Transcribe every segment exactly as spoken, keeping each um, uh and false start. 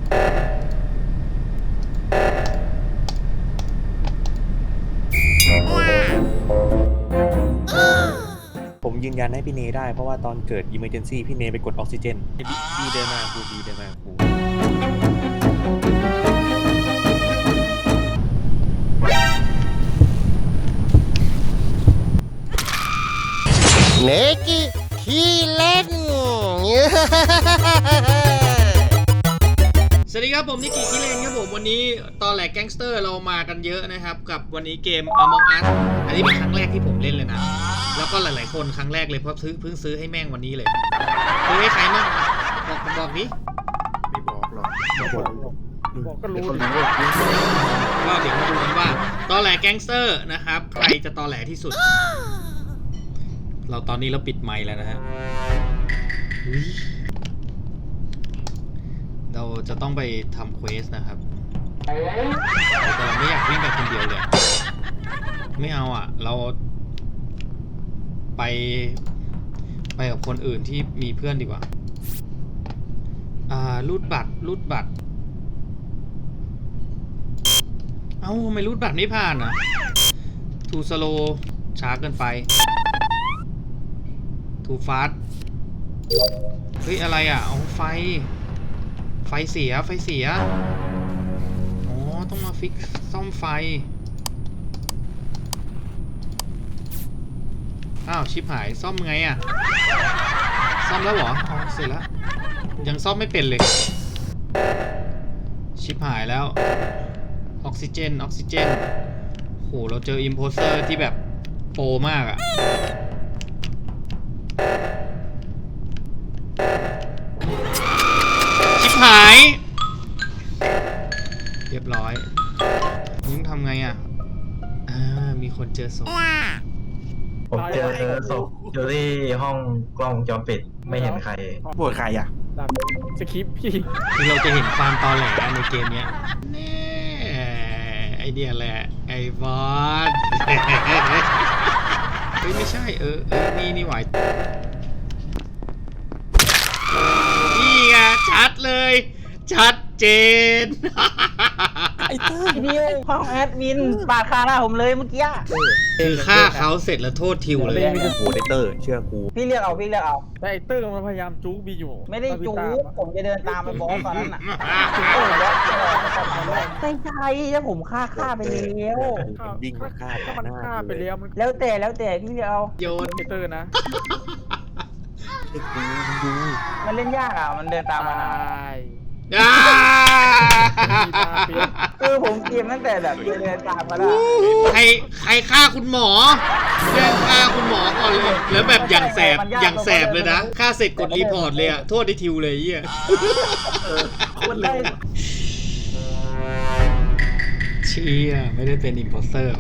ผมยืนยันให้พี่เนได้เพราะว่าตอนเกิด Emergency พี่เนไปกดออกซิเจนบีเดินมากูบีเดินมากูเนกิขี้เล่นสวัสดีครับผมนิกิคิเลนครับผมวันนี้ตอนแหลกแก๊งสเตอร์เรามากันเยอะนะครับกับวันนี้เกม Among Us อันนี้เป็นครั้งแรกที่ผมเล่นเลยนะแล้วก็หลายๆคนครั้งแรกเลยเพราะซื้อเพิ่งซื้อให้แม่งวันนี้เลยซื้อให้ใครมั่งบอกบอกนี้ไม่บอกหรอกบอกบอกก็รู้ก็เดี๋ยวมาดูกันว่าตอนแหลกแก๊งสเตอร์นะครับใครจะตอนแหลที่สุดเราตอนนี้เราปิดไมค์แล้วนะฮะเราจะต้องไปทำเควสนะครับแต่เราไม่อยากวิ่งไปคนเดียวเลยไม่เอาอ่ะเราไปไปกับคนอื่นที่มีเพื่อนดีกว่าอ่ารูดบัตรรูดบัตรเอ้าทำไมรูดบัตรไม่ผ่านอ่ะทูสโลช้าเกินไปทูฟาสเฮ้ยอะไรอ่ะเอาไฟไฟเสียไฟเสียอ๋อต้องมาฟิกซ่อมไฟอ้าวชิปหายซ่อมไงอ่ะซ่อมแล้วเหรออ๋อเสร็จแล้วยังซ่อมไม่เป็นเลยชิปหายแล้วออกซิเจนออกซิเจนโหเราเจออิมโพสเตอร์ที่แบบโปรมากอ่ะชิปหายเรียบร้อยยิ่งทำไงอ่ะอ่ามีคนเจอศพผมเจอศพอยู่ที่ห้องกล้องวงจรปิดไม่เห็นใครปวดใครอ่ะสคริปพี่คือเราจะเห็นความตอแหลในเกมเนี้ยแน่ไอเดียแหละไอ้บอสเฮ้ยไม่ใช่เออเออนี่นี่หวายนี่ไงชัดเลยชัดเจนไอ้เต้ยนี่ห้องแอดมินปาดคาหน้าผมเลยเมื่อกี้คือฆ่าเขาเสร็จแล้วโทษทิวเลยโหเดเตอร์เชื่อกูพี่เรียกเอาพี่เรียกเอาแต่ไอ้เต้ยมันพยายามจู๊บีอยู่ไม่ได้จู๊ผมจะเดินตามไปบอสตอนนั้นน่ะใช่ใช่แล้วผมฆ่าฆ่าไปแล้ววิ่งมาฆ่ามันฆ่าไปแล้วมันแล้วแต่แล้วแต่พี่เรียกเอาโยนไอ้เต้ยนะไอ้กูดูมันเล่นยากอ่ะมันเดินตามมานะคือผมเกมตั้งแต่แบบเดินตามมาได้ใครใครฆ่าคุณหมอเรื่องฆ่าคุณหมอก่อนเลยแล้วแบบอย่างแสบอย่างแสบเลยนะฆ่าเสร็จกดรีพอร์ตเลยอะโทษไอ้ทิวเลยเหี้ยคนเลยเชี่ยไม่ได้เป็นอิมโพสเตอร์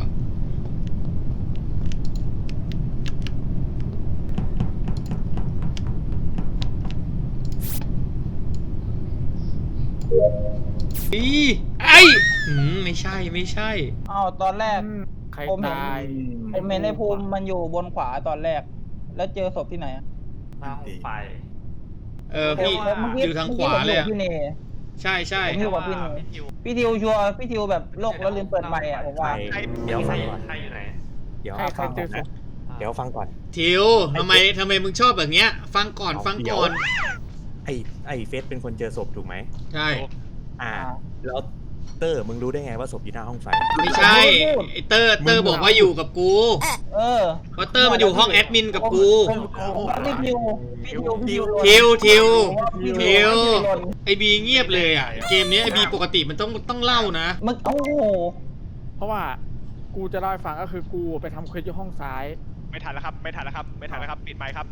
อีไอ้ไม่ใช่ไม่ใช่อ้าวตอนแรกใครผมเห็นตายผมเห็นในภูมิมันอยู่บนขวาตอนแรกแล้วเจอศพที่ไหนอะหน้าห้องไฟเออพี่อยู่ทางขวาเลยอะใช่ใช่พี่ทิวกับพี่นิวพี่ทิวชัวร์พี่ทิวแบบโลกแล้วลืมเปิดไมค์อะผมว่าเดี๋ยวฟังก่อนใครอยู่ไหนเดี๋ยวฟังก่อนนะเดี๋ยวฟังก่อนทิวทำไมทำไมมึงชอบแบบเนี้ยฟังก่อนฟังก่อนไอ้ไอ้เฟสเป็นคนเจอศพถูกไหมใช่อ่าแล้วเตอร์มึงรู้ได้ไงว่าศพอยู่หน้าห้องไฟไม่ใช่ไอเตอร์เตอร์บอกว่าอยู่กับกูเออเพราะเตอร์มันอยู่ห้องแอดมินกับกูพี่ทิวทิวทิวทิวทิวไอบีเงียบเลยอ่ะเกมนี้ไอบีปกติมันต้องต้องเล่านะมึงโอ้เพราะว่ากูจะเล่าให้ฟังก็คือกูไปทำเควสที่ห้องซ้ายไม่ทันแล้วครับไม่ทันแล้วครับไม่ทันแล้วครับปิดไมค์ครับ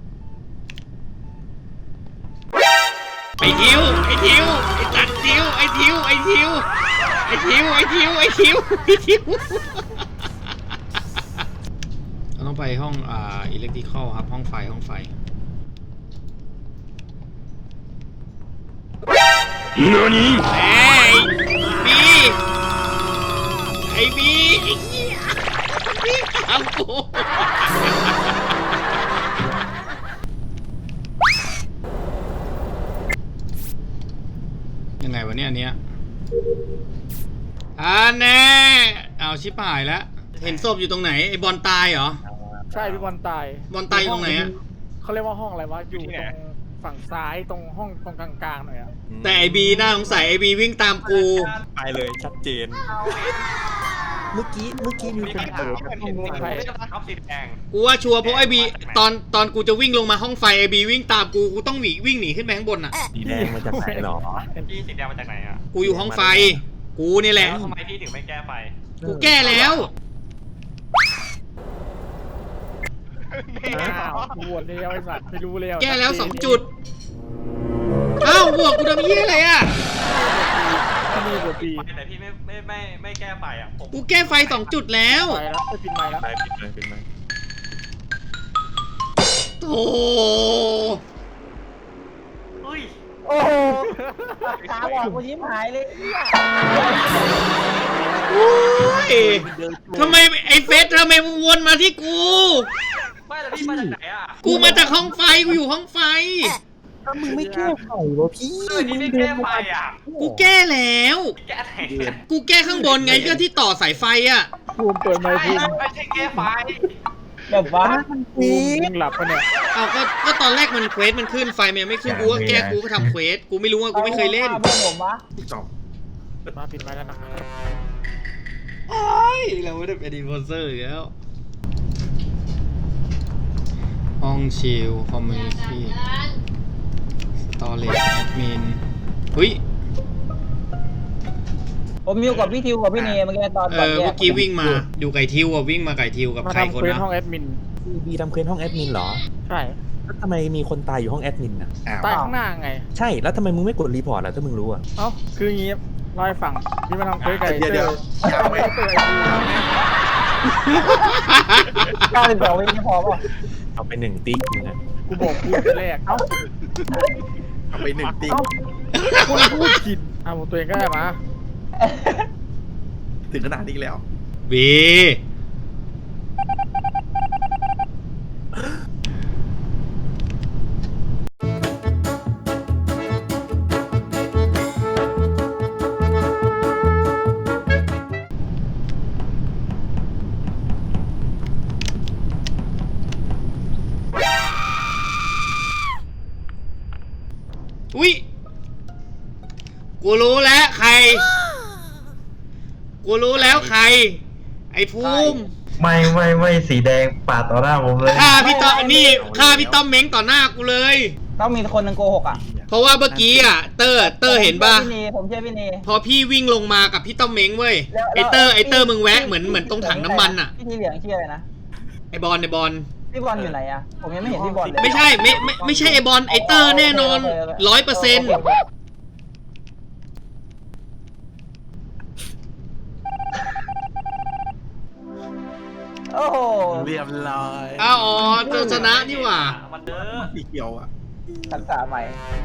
ไอทิวไอทิวไอตัดทิวไอทิวไอทิวไอทิวไอทิวไอทิวไอทิวเราต้องไปห้องอ่าอิเล็กทริคอลครับห้องไฟห้องไฟนอนี่ไอบีไอบีไอเหี้ยพี่ทำกูยังไงไงวะเนี่ยอันเนี้ยอ่าแน่เอาชิบหายแล้วเห็นศพอยู่ตรงไหนไอ้บอลตายเหรอใช่พี่บอลตายบอลตายอยู่ตรงไหนอะเขาเรียกว่าห้องอะไรวะอยู่ตรงฝั่งซ้ายตรงห้องตรงกลางๆหน่อยอะแต่ไอบีน่าสงสัยไอบีวิ่งตามกูไปเลยชัดเจน เมื่อกี้เมื่อกี้มีคนเปิดเห็นเห็นเห็นท็อปสีแดงกูว่าชัวร์เพราะไอบีตอนตอนกูจะวิ่งลงมาห้องไฟไอบีวิ่งตามกูกูต้องหนีวิ่งหนีขึ้นไปข้างบนอ่ะสีแดงมาจากไหนหรอพี่สีแดงมาจากไหนอ่ะกูอยู่ห้องไฟ กูนี่แหละแล้วทำไมพี่ถึงไม่แก้ไฟกูแก้แล้วอ้าวกูโหวตเลี้ยวไอ้สัตว์ไม่รู้แล้วแก้แล้วสองจุดเอ้าบวกกูทำเหี้ยอะไรอ่ะที่นี่บวตปีแต่พี่ไม่ไม่ไม่ไม่แก้ไฟอ่ะผมกูแก้ไฟสองจุดแล้วไปแล้วไปปิดไมค์แล้วไปปิดเลยปิดเลยโธ่เฮ้ยโอ้โหตาบอดกูยิ้มหายเลยเหี้ยโอ้ยทำไมไอเฟสทำไมมึงวนมาที่กูไม่แต่พี่มาจากไหนอ่ะกูมาจากห้องไฟ กูอยู่ห้องไฟถ้ามึงไม่แก้ไขวะพี่เฮ้ยพี่ไม่แก้ไฟอ่ะกูแก้แล้วแก้ไหนกูแก้ข้างบนไงก็ที่ต่อสายไฟอ่ะภูมิเปิดไมค์ภูมิไม่ใช่แก้ไฟแบบว่าภูมิมึงหลับปะเนี่ยเอาก็ก็ตอนแรกมันเควสมันขึ้นไฟมันยังไม่ขึ้นกูก็แก้กูก็ทำเควสกูไม่รู้ว่ากูไม่เคยเล่นเพื่อนผมวะมาปิดไมค์แล้วนะครับโอ้ยเราไม่ได้เป็นอินโฟเซอร์อีกแล้วห้องชิลคอมมูนิตี้สตอเรจแอดมินเฮ้ยผมอยู่กับพี่ทิวกับพี่เนเมื่อกี้ตอนเอก่อนอแยเมื่อกี้วิ่งมาดูไก่ทิวอ่ะวิ่งมาไก่ทิวกับมาใครทำคนเควสนะห้องแอดมินบีทำเควสห้องแอดมินเหรอใช่แล้วทำไมมีคนตายอยู่ห้องแอดมินอ่ะตายข้างหน้าไงใช่ แล้วทำไมมึงไม่กดรีพอร์ตล่ะถ้ามึงรู้อ่ะเอ้าคืออย่างงี้เล่าให้ฟังพี่มาทำเควสไก่เดี๋ยวเดี๋ยวเจอไม่เจอไอ้ภูมิเก้าสิบสองวินี่พอป่ะเอาไปหนึ่งติ๊กมึงอ่ะกูบอกพูดแต่แรกเอ้าเอาไปหนึ่งติ๊กเอ้าคุณพูดผิดอ่ะผมตัวเองก็ได้มาถึงขนาดนี้แล้วบีอุ้ยกูรู้แล้วใคร กูรู้แล้วใคร ไอ้ภูมิไม่ไม่ไม่สีแดงปาดต่อหน้าผมเลยฆ่าพี่ต้อมนี่ฆ่าพี่ต้อมเม้งต่อหน้ากูเลยต้องมีคนหนึงโกหกอ่ะเพราะว่าเมื่อกี้อ่ะเตอร์เตอร์เห็นป่ะผมชื่อพี่เนผมเชื่อพี่เนพอพี่วิ่งลงมากับพี่ต้อมเม้งเว้ยแล้วไอเตอร์ไอเตอร์พี่มึงแวะเหมือนเหมือนตรงถังน้ำมันอ่ะพี่ทีเหลืองชื่ออะไรนะไอบอลไอบอลพี่บอลอยู่ไหนอ่ะผมยังไม่เห็นพี่บอลเลยไม่ใช่ไม่ไม่ไม่ใช่ไอบอลไอเตอร์แน่นอนร้อยเปอร์เซ็นต์โอ้โหเรียบร้อยอ้าวอ๋อเจอชนะนี่หว่ามันเด้อสีเขียวอ่ะทักษะใหม่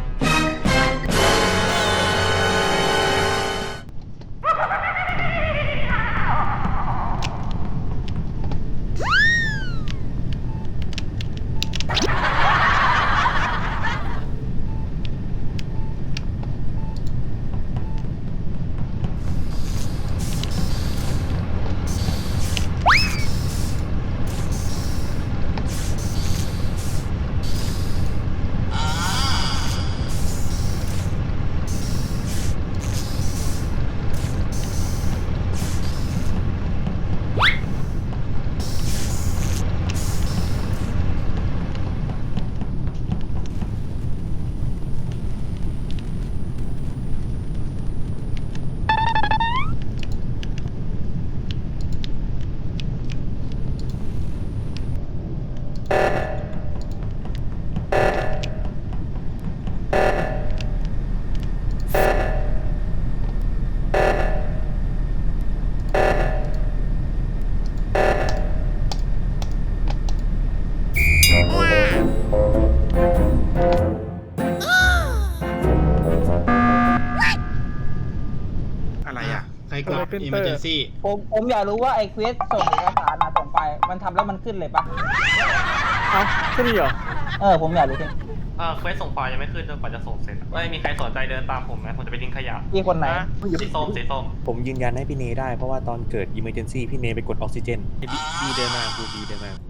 อะไรอ่ะใครกด emergency ผมผมอยากรู้ว่าไอ้เควสส่งเอกสารมาส่งไปมันทำแล้วมันขึ้นเลยปะเอ้าแค่นี้เหรอเออผมอยากรู้จริงเออเควสส่งไฟล์ยังไม่ขึ้นจนกว่าจะส่งเสร็จไม่มีใครสนใจเดินตามผมนะผมจะไปทิ้งขยะพี่คนไหนสีส้มสีส้มผมยืนยันให้พี่เนได้เพราะว่าตอนเกิด emergency พี่เนไปกดออกซิเจนบีบีเดินมากูบีเดินมากู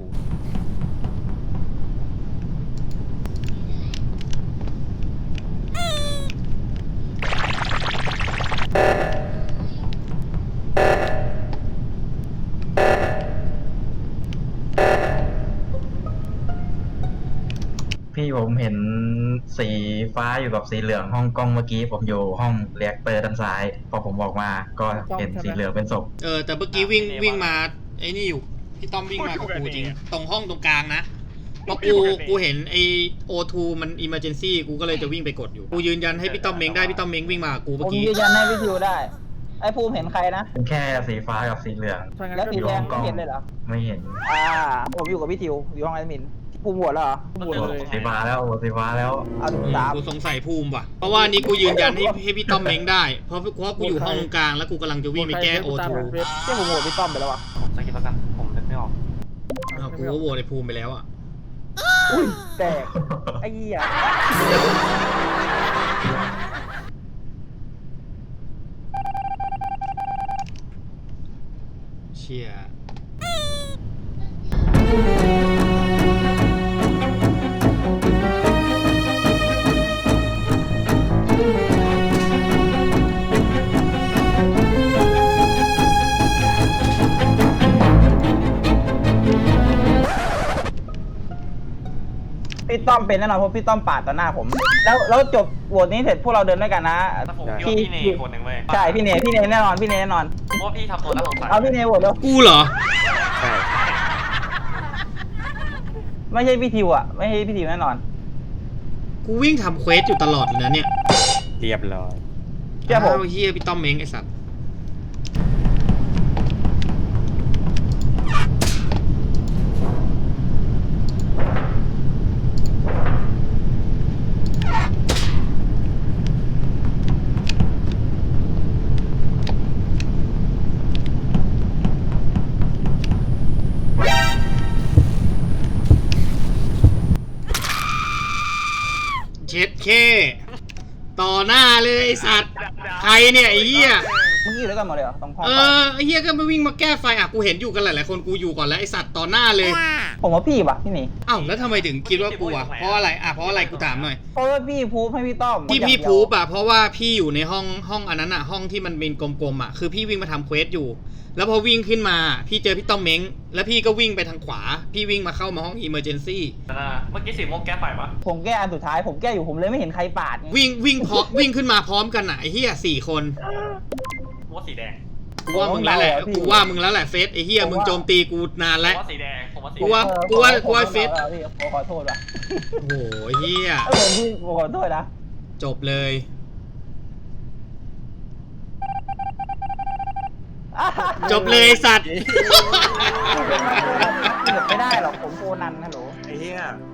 พี่ผมเห็นสีฟ้าอยู่กับสีเหลืองห้องกล้องเมื่อกี้ผมอยู่ห้องเรียกเตอร์ด้านซ้าย พอผมบอกมาก็เห็นสีเหลืองเป็นศพเออแต่เมื่อกี้วิ่งวิ่งมาไอ้นี่อยู่พี่ต้อมวิ่งมากับกูจริง ตรงห้องตรงกลางนะเพราะกูกูเห็นไอโอทูมันอิมเมอร์เจนซี่กูก็เลยจะวิ่งไปกดอยู่กูยืนยันให้พี่ต้อมเม้งได้พี่ต้อมเม้งวิ่งมากับกูผเมื่อมกี้ยืนยันให้พี่ทิวได้ ไอ้ภูมิเห็นใครนะเป็นแค่สีฟ้ากับสีเหลืองถ้างั้นแล้วก็สีดูแดงกล้ไม่องเห็นเลยเหรอไม่เห็นอ่า ผมอยู่กับพี่ทิวอยู่ห้องแอดมินภูมิโหวตแล้วเหรอหมดเลยสีฟ้าแล้วสีฟ้าแล้วเอาถึงสามกูสงสัยภูมิว่ะเพราะว่านี่กูยืนยันให้ให้พี่ต้อมเม้งได้เพราะเพราะกูอยู่ห้องตรงกลางแล้วกูกำลังจะวิ่งไปแก้โอทูเจ้าผมโหวตพี่ต้อมไปแล้ววะสกิปแล้วกันผมนึกไม่ออกอ้าวกูก็โหวตไอ้ภูมิไปแล้วอ่ะอุ้ยแตกไอ้เหี้ยเชี่ยพี่ต้อมเป็นแน่นอนเพราะพี่ต้อมปาดต่อหน้าผม แล้วแล้วจบโหวตนี้เสร็จพวกเราเดินด้วยกันนะแต่ผมคิดว่าพี่เนยคนหนึ่งเว้ยใช่พี่เนพี่เนแน่นอนพี่เนแน่นอนเพราะว่าพี่ทำตัวน่าสงสัยเอาพี่เนโหวตแล้วกูเหรอใช่ไม่ใช่พี่ทิวอ่ะไม่ใช่พี่ทิวแน่นอนกูวิ่งทำเควสอยู่ตลอดเลยนะเนี่ยเรียบร้อยเชื่อผมาวเฮียพี่ต้อมเม้งไอสัตว์เช็ดเคต่อหน้าเลยไอสัตว์ใครเนี่ยไอ้เหี้ยเมื่อกี้อยู่ด้วยกันหมดเลยเหรอตรงห้องเอไฟอไอ้เหี้ยก็มาวิ่งมาแก้ไฟอ่ะกูเห็นอยู่กันหลายๆคนกูอยู่ก่อนแล้วไอสัตว์ต่อหน้าเลยผมว่าพี่ป่ะพี่หนีอ้าวแล้วทำไมถึงคิดว่ากูอ่ะเพราะอะไรอ่ะเพราะอะไรกูถามหน่อยเพราะว่าพี่พูดให้พี่ต้อมที่พี่อย่างเดียวพูบอ่ะเพราะว่าพี่อยู่ในห้องห้องอันนั้นอ่ะห้องที่มันเป็นกลมๆอ่ะคือพี่วิ่งมาทำเควสอยู่ แล้วพอวิ่งขึ้นมาพี่เจอพี่ต้อมเม้งแล้วพี่ก็วิ่งไปทางขวา พี่วิ่งมาเข้ามาห้องอิมเมอร์เจนซี่นะเมื่อกี้สีม่วงแก้ไฟปะผมแก้อันสุดท้ายผมแก้อยู่ผมเลยไม่เห็นใครปาดไงวิ่งวิ่งพร้อมวิ่งขึ้นมาพร้อมกันอ่ะไอ้เหี้ยสี่คนว่าสีแดงกูว่ามึงแล้วแหละกูว่ามึงแล้วแหละเฟสไอ้เหี้ยมึงโจมตีกูนานผมแล้วว่าสีแดงผมว่าสีกูแดว่างออกูว่าผมกูว่าผมเฟซขอโทษพี่ผมขอโทษว่ะโอ้โหเฮียเออผมพี่ผมขอโทษนะจบเลย จบเลยไอ้สัตว์ไม่ได้หรอกผมโคนันฮัลโหลไอ้เหี้ย